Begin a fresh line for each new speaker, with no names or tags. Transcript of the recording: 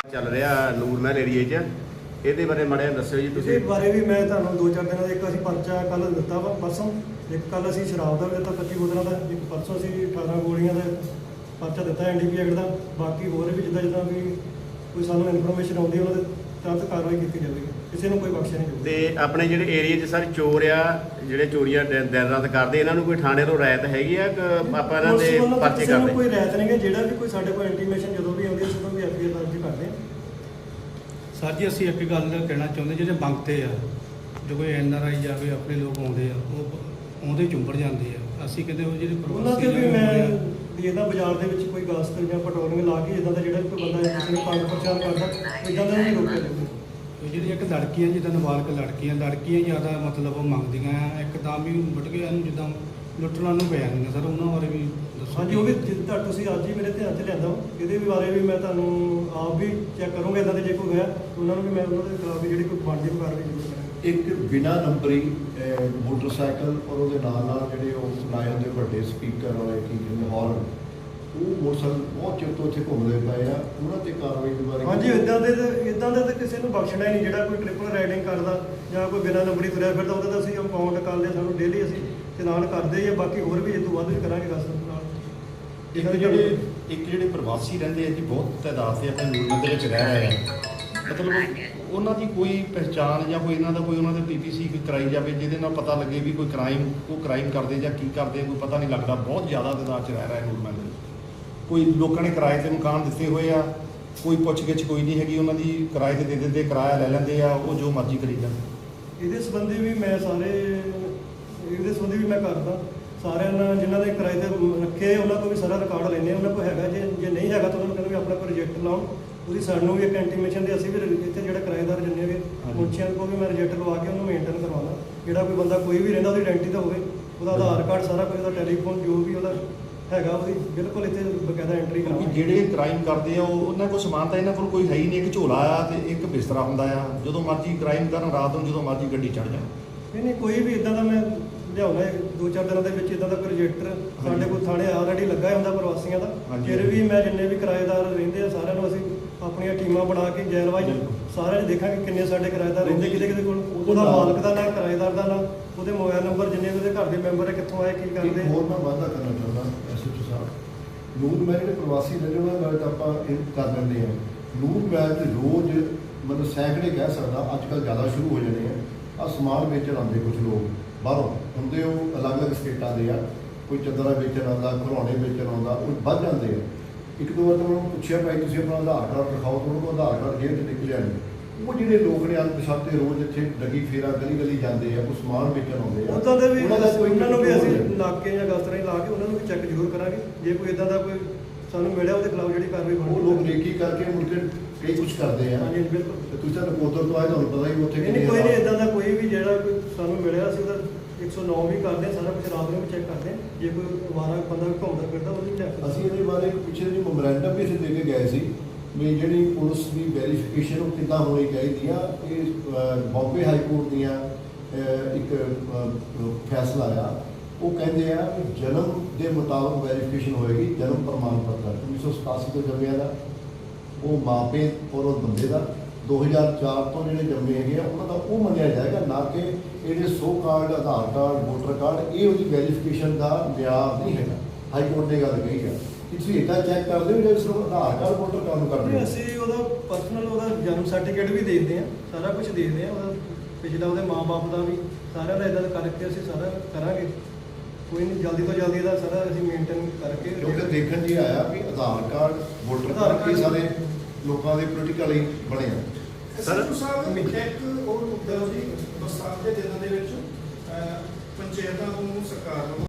ਚੱਲ ਰਿਹਾ ਨੂਰ ਮਹਿਲ ਏਰੀਏ 'ਚ ਇਹਦੇ ਬਾਰੇ ਮਾੜਾ ਦੱਸਿਓ ਜੀ ਤੁਸੀਂ।
ਇਹਦੇ ਬਾਰੇ ਵੀ ਮੈਂ ਤੁਹਾਨੂੰ 2-4 ਦਿਨਾਂ ਦਾ ਇੱਕ ਅਸੀਂ ਪਰਚਾ ਕੱਲ ਦਿੱਤਾ ਵਾ ਪਰਸੋਂ, ਇੱਕ ਕੱਲ ਅਸੀਂ ਸ਼ਰਾਬ ਦਾ ਵੀ ਦਿੱਤਾ 25 ਬੋਤਲਾਂ ਦਾ, ਇੱਕ ਪਰਸੋਂ ਅਸੀਂ 18 ਗੋਲੀਆਂ ਦਾ ਪਰਚਾ ਦਿੱਤਾ ਐਨਡੀਪੀ ਐਕਟ ਦਾ। ਬਾਕੀ ਹੋਰ ਵੀ ਜਿੱਦਾਂ ਵੀ ਕੋਈ ਸਾਨੂੰ ਇਨਫੋਰਮੇਸ਼ਨ ਆਉਂਦੀ ਉਹਨਾਂ ਦੇ ਤੁਰੰਤ ਕਾਰਵਾਈ ਕੀਤੀ ਜਾਵੇਗੀ, ਕਿਸੇ ਨੂੰ ਕੋਈ ਬਖਸ਼ਿਆ ਨਹੀਂ ਜਾਊਗਾ।
ਤੇ ਆਪਣੇ ਜਿਹੜੇ ਏਰੀਏ 'ਚ ਸਰ ਚੋਰ ਆ ਜਿਹੜੇ ਚੋਰੀਆਂ ਦਿਨ ਰਾਤ ਕਰਦੇ, ਇਹਨਾਂ ਨੂੰ ਕੋਈ ਥਾਣੇ ਤੋਂ ਰਾਇਤ ਹੈਗੀ ਆ ਕਿ ਆਪਾਂ ਇਹਨਾਂ ਦੇ ਪਰਚੇ ਕਰਦੇ?
ਕੋਈ ਰਾਇਤ ਨਹੀਂ ਹੈ, ਜਿਹੜਾ ਵੀ ਕੋਈ ਸਾਡੇ ਕੋਲ ਇੰਟੀਮੇਸ਼ਨ ਜਦੋਂ ਵੀ ਆਉਂਦੀ ਹੈ ਉਦੋਂ ਵੀ ਐਫਆਈਆਰ ਦਰਜ ਕਰਦੇ ਹਾਂ।
ਸਰ ਜੀ ਅਸੀਂ ਇੱਕ ਗੱਲ ਕਹਿਣਾ ਚਾਹੁੰਦੇ, ਜਿਹੜੇ ਮੰਗਤੇ ਆ ਜੋ ਕੋਈ ਐਨਆਰਆਈ ਜਾਵੇ ਆਪਣੇ ਲੋਕ ਆਉਂਦੇ ਆ ਉਹ ਆਉਂਦੇ ਚੁੰਬੜ ਜਾਂਦੇ ਆ। ਅਸੀਂ ਕਹਿੰਦੇ ਉਹ ਜਿਹੜੇ
ਉਹਨਾਂ ਤੇ ਵੀ ਮੈਂ ਵੀ ਇਹਦਾ ਬਾਜ਼ਾਰ ਦੇ ਵਿੱਚ ਕੋਈ ਗਸਤ ਜਾਂ ਪੈਟਰੋਲਿੰਗ ਲਾ ਕੇ ਇਦਾਂ ਦਾ ਜਿਹੜਾ ਵੀ ਕੋਈ ਬੰਦਾ ਕਿਸੇ ਨੂੰ ਪੰਜ ਪ੍ਰਚਾਰ ਕਰਦਾ ਇਦਾਂ ਦਾ ਨਹੀਂ ਰੋਕਿਆ ਜਾਊਗਾ।
ਜਿਹੜੀ ਇੱਕ ਲੜਕੀਆਂ ਜਿੱਦਾਂ ਨਾਬਾਲਗ ਲੜਕੀਆਂ ਜ਼ਿਆਦਾ ਮਤਲਬ ਉਹ ਮੰਗਦੀਆਂ ਆ, ਇੱਕਦਮ ਹੀ ਬਟਕਿਆਂ ਨੂੰ ਜਿੱਦਾਂ ਲੁੱਟਣ ਨੂੰ ਪੈ ਜਾਂਦੀਆਂ ਸਰ, ਉਹਨਾਂ ਬਾਰੇ ਵੀ ਦੱਸੋ।
ਹਾਂਜੀ, ਉਹ ਵੀ ਜਿੱਦਾਂ ਤੁਸੀਂ ਅੱਜ ਹੀ ਮੇਰੇ ਧਿਆਨ 'ਚ ਲਿਆਂਦਾ ਇਹਦੇ ਵੀ ਬਾਰੇ ਵੀ ਮੈਂ ਤੁਹਾਨੂੰ ਆਪ ਵੀ ਚੈੱਕ ਕਰੂੰਗਾ। ਇਦਾਂ ਦੇ ਜੇ ਕੋਈ ਹੋਇਆ ਉਹਨਾਂ ਨੂੰ ਵੀ ਮੈਂ ਉਹਨਾਂ ਦੇ ਖਿਲਾਫ ਵੀ ਜਿਹੜੀ ਕੋਈ ਬਣਦੀ ਕਾਰਵਾਈ ਜ਼ਰੂਰ ਕਰਾਂਗਾ।
ਇੱਕ ਬਿਨਾਂ ਨੰਬਰੀ ਮੋਟਰਸਾਈਕਲ ਔਰ ਉਹਦੇ ਨਾਲ ਜਿਹੜੇ ਉਹ ਲਾਏ ਹੁੰਦੇ ਵੱਡੇ ਸਪੀਕਰ ਵਾਲੇ ਕੀ ਕਹਿੰਦੇ ਹਾਰਨ, ਉਹ ਮੋਟਰਸਾਈਕਲ ਬਹੁਤ ਚਿਰ ਤੋਂ ਇੱਥੇ ਘੁੰਮਦੇ ਪਏ ਆ, ਉਹਨਾਂ ਤੇ ਕਾਰਵਾਈ ਦੇ ਬਾਰੇ?
ਹਾਂਜੀ, ਇਦਾਂ ਦਾ ਤਾਂ ਕਿਸੇ ਨੂੰ ਬਖਸ਼ਣਾ ਹੀ ਨਹੀਂ। ਜਿਹੜਾ ਕੋਈ ਟ੍ਰਿਪਲ ਰਾਈਡਿੰਗ ਕਰਦਾ ਜਾਂ ਕੋਈ ਬਿਨਾਂ ਨੰਬਰੀ ਤੁਰਿਆ ਫਿਰਦਾ ਉਹਦਾ ਤਾਂ ਅਸੀਂ ਕੰਪਾਊਂਡ ਕਰਦੇ, ਸਾਨੂੰ ਡੇਲੀ ਅਸੀਂ ਚਲਾਨ ਕਰਦੇ ਜਾਂ ਬਾਕੀ ਹੋਰ ਵੀ ਇਹ ਤੋਂ ਵੱਧ ਵੀ ਕਰਾਂਗੇ ਰਸਤੇ ਨਾਲ।
ਇੱਕ ਜਿਹੜੇ ਪ੍ਰਵਾਸੀ ਰਹਿੰਦੇ ਆ ਜੀ, ਬਹੁਤ ਤਾਦਾਦ ਤੇ ਆਪਣੇ ਨੂਰ ਦੇ ਵਿੱਚ ਰਹਿ ਰਹੇ ਆ, ਮਤਲਬ ਉਹਨਾਂ ਦੀ ਕੋਈ ਪਹਿਚਾਣ ਜਾਂ ਕੋਈ ਇਹਨਾਂ ਦਾ ਕੋਈ ਉਹਨਾਂ ਦੇ ਪੀਪੀਸੀ ਕਰਾਈ ਜਾਵੇ ਜਿਹਦੇ ਨਾਲ ਪਤਾ ਲੱਗੇ ਵੀ ਕੋਈ ਕ੍ਰਾਈਮ ਕਰਦੇ ਜਾਂ ਕੀ ਕਰਦੇ, ਕੋਈ ਪਤਾ ਨਹੀਂ ਲੱਗਦਾ। ਬਹੁਤ ਜ਼ਿਆਦਾ ਤਾਦਾਦ 'ਚ ਰਹਿ ਰਿਹਾ ਨੂਰ ਮਹਿਲ ਦੇ ਵਿੱਚ। ਕੋਈ ਲੋਕਾਂ ਨੇ ਕਿਰਾਏ ਤੇ ਮਕਾਨ ਦਿੱਤੇ ਹੋਏ ਆ, ਕੋਈ ਪੁੱਛ-ਗਿੱਛ ਕੋਈ ਨਹੀਂ ਹੈਗੀ ਉਹਨਾਂ ਦੀ, ਕਿਰਾਏ ਤੇ ਦੇ ਦਿੰਦੇ, ਕਿਰਾਇਆ ਲੈ ਲੈਂਦੇ ਆ, ਉਹ ਜੋ ਮਰਜ਼ੀ ਕਰੀ ਜਾਂਦੇ।
ਇਹਦੇ ਸੰਬੰਧੀ ਵੀ ਮੈਂ ਕਰਦਾ ਸਾਰਿਆਂ ਨਾਲ ਜਿਨ੍ਹਾਂ ਦੇ ਕਿਰਾਏ ਤੇ ਰੱਖੇ ਉਹਨਾਂ ਤੋਂ ਵੀ ਸਾਰਾ ਰਿਕਾਰਡ ਲੈਂਦੇ ਉਹਨਾਂ ਕੋਲ ਹੈਗਾ। ਜੇ ਨਹੀਂ ਹੈਗਾ ਤਾਂ ਉਹਨਾਂ ਨੂੰ ਕਹਿੰਦੇ ਵੀ ਆਪਣਾ ਕੋਈ ਰਿਜੈਕਟ ਲਾਉਣ। ਉਹਦੀ ਸਾਨੂੰ ਵੀ ਇੱਕ ਇੰਟੀਮੇਸ਼ਨ ਦੇ, ਅਸੀਂ ਵੀ ਇੱਥੇ ਜਿਹੜਾ ਕਿਰਾਏਦਾਰ ਜਿੰਨੇ ਵੀ ਮੁੰਸ਼ੀਆਂ ਕੋਲ ਵੀ ਮੈਂ ਰਿਜੈਕਟ ਲਵਾ ਕੇ ਉਹਨੂੰ ਮੇਨਟੇਨ ਕਰਵਾਉਣਾ। ਜਿਹੜਾ ਕੋਈ ਬੰਦਾ ਕੋਈ ਵੀ ਰਹਿੰਦਾ ਉਹਦੀ ਆਇਡੈਂਟੀ ਤਾਂ ਹੋਵੇ, ਉਹਦਾ ਆਧਾਰ ਕਾਰਡ ਸਾਰਾ ਕੁਝ, ਉਹਦਾ ਟੈਲੀਫੋਨ ਜੋ ਵੀ ਉਹਦਾ ਹੈਗਾ ਉਹਦੀ ਬਿਲਕੁਲ ਇੱਥੇ ਬਕਾਇਦਾ ਐਂਟਰੀ
ਕਿਉਂਕਿ
ਕਰਾਉਣੀ।
ਜਿਹੜੇ ਕ੍ਰਾਈਮ ਕਰਦੇ ਆ ਉਹਨਾਂ ਕੋਲ ਸਮਾਨ ਤਾਂ ਇਹਨਾਂ ਕੋਲ ਕੋਈ ਹੈ ਹੀ ਨਹੀਂ। ਇੱਕ ਝੋਲਾ ਆ ਤੇ ਇੱਕ ਬਿਸਤਰਾ ਹੁੰਦਾ ਆ, ਜਦੋਂ ਮਰਜ਼ੀ ਕ੍ਰਾਈਮ ਕਰਨ, ਰਾਤ ਨੂੰ ਜਦੋਂ ਮਰਜ਼ੀ ਗੱਡੀ ਚੜ੍ਹ ਜਾਣ।
ਨਹੀਂ ਕੋਈ ਵੀ ਇਦਾਂ ਦਾ ਮੈਂ ਲਿਆਉਣਾ 2-4 ਦਿਨਾਂ ਦੇ ਵਿੱਚ ਇਦਾਂ ਦਾ ਕੋਈ ਰਜਿਸਟਰ ਸਾਡੇ ਕੋਲ ਥਾਣੇ ਆਲਰੇਡੀ ਲੱਗਾ ਹੁੰਦਾ ਪ੍ਰਵਾਸੀਆਂ ਦਾ। ਫਿਰ ਵੀ ਮੈਂ ਜਿੰਨੇ ਵੀ ਕਿਰਾਏਦਾਰ ਰਹਿੰਦੇ ਆ ਸਾਰਿਆਂ ਨੂੰ ਅਸੀਂ ਆਪਣੀਆਂ ਟੀਮਾਂ ਬਣਾ ਕੇ ਜੈਲ ਵਾਈਜ਼ ਸਾਰਿਆਂ ਨੂੰ ਦੇਖਾਂਗੇ ਕਿੰਨੇ ਸਾਡੇ ਕਿਰਾਏਦਾਰ ਰਹਿੰਦੇ, ਕਿਹਦੇ ਕੋਲ ਉਹਦਾ ਮਾਲਕ ਦਾ ਨਾਂ, ਕਿਰਾਏਦਾਰ ਦਾ ਨਾਂ, ਉਹਦੇ ਮੋਬਾਈਲ ਨੰਬਰ, ਜਿੰਨੇ ਉਹਦੇ ਘਰ ਦੇ ਮੈਂਬਰ ਹੈ, ਕਿੱਥੋਂ ਆਏ, ਕੀ ਕਰਦੇ।
ਹੋਰ ਮੈਂ ਵਾਅਦਾ ਕਰਨਾ ਚਾਹੁੰਦਾ ਐਸਐਚਓ ਸਾਹਿਬ, ਨੂਰ ਮਹਿਲ ਜਿਹੜੇ ਪ੍ਰਵਾਸੀ ਰਹਿੰਦੇ ਉਹਨਾਂ ਨਾਲ ਤਾਂ ਆਪਾਂ ਇਹ ਕਰ ਲੈਂਦੇ ਹਾਂ। ਨੂਰ ਮਹਿਲ ਤੇ ਰੋਜ਼ ਮਤਲਬ ਸੈਂਕੜੇ ਕਹਿ ਸਕਦਾ, ਅੱਜ ਕੱਲ੍ਹ ਜ਼ਿਆਦਾ ਸ਼ੁਰੂ ਹੋ ਜਾਣੇ ਆ ਸਮਾਨ ਵੇਚਣ ਆਉਂਦੇ ਕੁਝ ਲੋਕ ਬਾਹਰੋਂ ਹੁੰਦੇ, ਉਹ ਅਲੱਗ-ਅਲੱਗ ਸਟੇਟਾਂ ਦੇ ਆ। ਕੋਈ ਚਾਦਰਾਂ ਵੇਚਣ ਆਉਂਦਾ, ਖਿਡੌਣੇ ਵੇਚਣ ਆਉਂਦਾ, ਉਹ ਵੱਧ ਜਾਂਦੇ ਆ। ਇੱਕ ਦੋ ਵਾਰ ਤਾਂ ਉਹਨਾਂ ਨੂੰ ਪੁੱਛਿਆ ਭਾਈ ਤੁਸੀਂ ਆਪਣਾ ਆਧਾਰ ਕਾਰਡ ਦਿਖਾਓ, ਤਾਂ ਉਹਨਾਂ ਕੋਲ ਆਧਾਰ ਕਾਰਡ ਜੇਬ 'ਚ ਨਿਕਲਿਆ ਨਹੀਂ। ਉਹ ਜਿਹੜੇ ਲੋਕ ਨੇ ਅਣਪਛਾਤੇ ਰੋਜ਼ ਇੱਥੇ ਲੱਗੀ ਫੇਰਾ ਗਲੀ ਜਾਂਦੇ ਆ, ਉਹ ਸਮਾਨ ਵੇਚਣ ਆਉਂਦੇ ਆ।
ਉੱਦਾਂ ਦੇ ਵੀ ਉਹਨਾਂ ਨੂੰ ਵੀ ਅਸੀਂ ਨਾਕੇ ਜਾਂ ਗਸਤਰਾਂ ਲਾ ਕੇ ਉਹਨਾਂ ਨੂੰ ਵੀ ਚੈੱਕ ਜ਼ਰੂਰ ਕਰਾਂਗੇ। ਜੇ ਕੋਈ ਇਦਾਂ ਦਾ ਕੋਈ ਸਾਨੂੰ ਮਿਲਿਆ ਉਹਦੇ ਖਿਲਾਫ ਜਿਹੜੀ ਕਾਰਵਾਈ ਬਣੂ।
ਉਹ ਲੋਕ ਨੇਕੀ ਕਰਕੇ ਮੁੜ ਕੇ ਕਈ ਕੁਝ ਕਰਦੇ ਆ।
ਹਾਂਜੀ ਬਿਲਕੁਲ।
ਤੁਸੀਂ ਤਾਂ ਨਕੋਦਰ ਤੋਂ ਆਏ, ਤੁਹਾਨੂੰ ਪਤਾ ਹੀ ਉੱਥੇ
ਨਹੀਂ ਕੋਈ ਨਹੀਂ ਇਦਾਂ ਦਾ ਕੋਈ ਵੀ ਜਿਹੜਾ ਕੋਈ ਸਾਨੂੰ ਮਿਲਿਆ ਅਸੀਂ ਉਹਦਾ 109 ਵੀ ਕਰਦੇ ਹਾਂ, ਸਾਰਾ ਕੁਝ ਰਾਤ ਨੂੰ ਵੀ ਚੈੱਕ ਕਰਦੇ ਹਾਂ। ਜੇ ਕੋਈ ਅਵਾਰਾ ਬੰਦਾ ਵੀ ਘੁੰਮਦਾ ਫਿਰਦਾ ਉਹਨੂੰ ਵੀ ਚੈੱਕ
ਅਸੀਂ ਇਹਦੇ ਬਾਰੇ ਪਿੱਛੇ ਜਿਹੀ ਮੈਮੋਰੈਂਡਮ ਵੀ ਅਸੀਂ ਦੇ ਕੇ ਗਏ ਸੀ ਵੀ ਜਿਹੜੀ ਪੁਲਿਸ ਦੀ ਵੈਰੀਫਿਕੇਸ਼ਨ ਉਹ ਕਿੱਦਾਂ ਹੋਣੀ ਚਾਹੀਦੀ ਆ। ਇਹ ਬੰਬੇ ਹਾਈ ਕੋਰਟ ਦੀਆਂ ਇੱਕ ਫੈਸਲਾ ਆ, ਉਹ ਕਹਿੰਦੇ ਆ ਵੀ ਜਨਮ ਦੇ ਮੁਤਾਬਕ ਵੈਰੀਫਿਕੇਸ਼ਨ ਹੋਏਗੀ। ਜਨਮ ਪ੍ਰਮਾਣ ਪੱਤਰ 1987 ਤੋਂ ਜੰਮਿਆ ਦਾ ਉਹ ਮਾਪੇ ਔਰ ਉਹ ਬੰਦੇ ਦਾ, 2004 ਤੋਂ ਜਿਹੜੇ ਜੰਮੇ ਹੈਗੇ ਆ ਉਹਨਾਂ ਦਾ ਉਹ ਮੰਨਿਆ ਜਾਏਗਾ, ਨਾ ਕਿ ਇਹਦੇ ਸੋ card, Aadhaar card, voter card, ਇਹ ਉਹਦੀ ਵੈਰੀਫਿਕੇਸ਼ਨ ਦਾ ਮਿਆਰ ਨਹੀਂ ਹੈਗਾ। ਹਾਈ ਕੋਰਟ ਨੇ ਗੱਲ ਕਹੀ ਆ ਕਿ ਤੁਸੀਂ ਇੱਦਾਂ ਚੈੱਕ ਕਰਦੇ ਹੋ ਜਿਹੜੇ ਸਿਰਫ ਆਧਾਰ ਕਾਰਡ, ਵੋਟਰ ਕਾਰਡ ਨੂੰ ਕਰਦੇ ਹੋ।
ਅਸੀਂ ਉਹਦਾ ਪਰਸਨਲ ਉਹਦਾ ਜਨਮ ਸਰਟੀਫਿਕੇਟ ਵੀ ਦੇਖਦੇ ਹਾਂ, ਸਾਰਾ ਕੁਝ ਦੇਖਦੇ ਹਾਂ, ਉਹਦਾ ਪਿਛਲਾ ਉਹਦੇ ਮਾਂ-ਬਾਪ ਦਾ ਵੀ ਸਾਰਿਆਂ ਦਾ ਇਦਾਂ ਕਰਕੇ ਅਸੀਂ ਸਾਰਾ ਕਰਾਂਗੇ। ਕੋਈ ਨਹੀਂ, ਜਲਦੀ ਤੋਂ ਜਲਦੀ ਇਹਦਾ ਸਾਰਾ ਅਸੀਂ ਮੇਨਟੇਨ ਕਰਕੇ।
ਕਿਉਂਕਿ ਦੇਖਣ 'ਚ ਆਇਆ ਵੀ ਆਧਾਰ ਕਾਰਡ, ਵੋਟਰ ਕਾਰਡ ਇਹ ਸਾਰੇ ਲੋਕਾਂ ਦੇ ਪੋਲੀਟੀਕਲੀ ਬਣੇ ਆ।
ਸਰ ਸਾਹਿਬ ਇੱਕ ਉਹ ਮੁੱਦਾ ਜੀ ਬਰਸਾਤ ਦੇ ਦਿਨਾਂ ਦੇ ਵਿੱਚ ਪੰਚਾਇਤਾਂ ਨੂੰ ਸਰਕਾਰ ਨੂੰ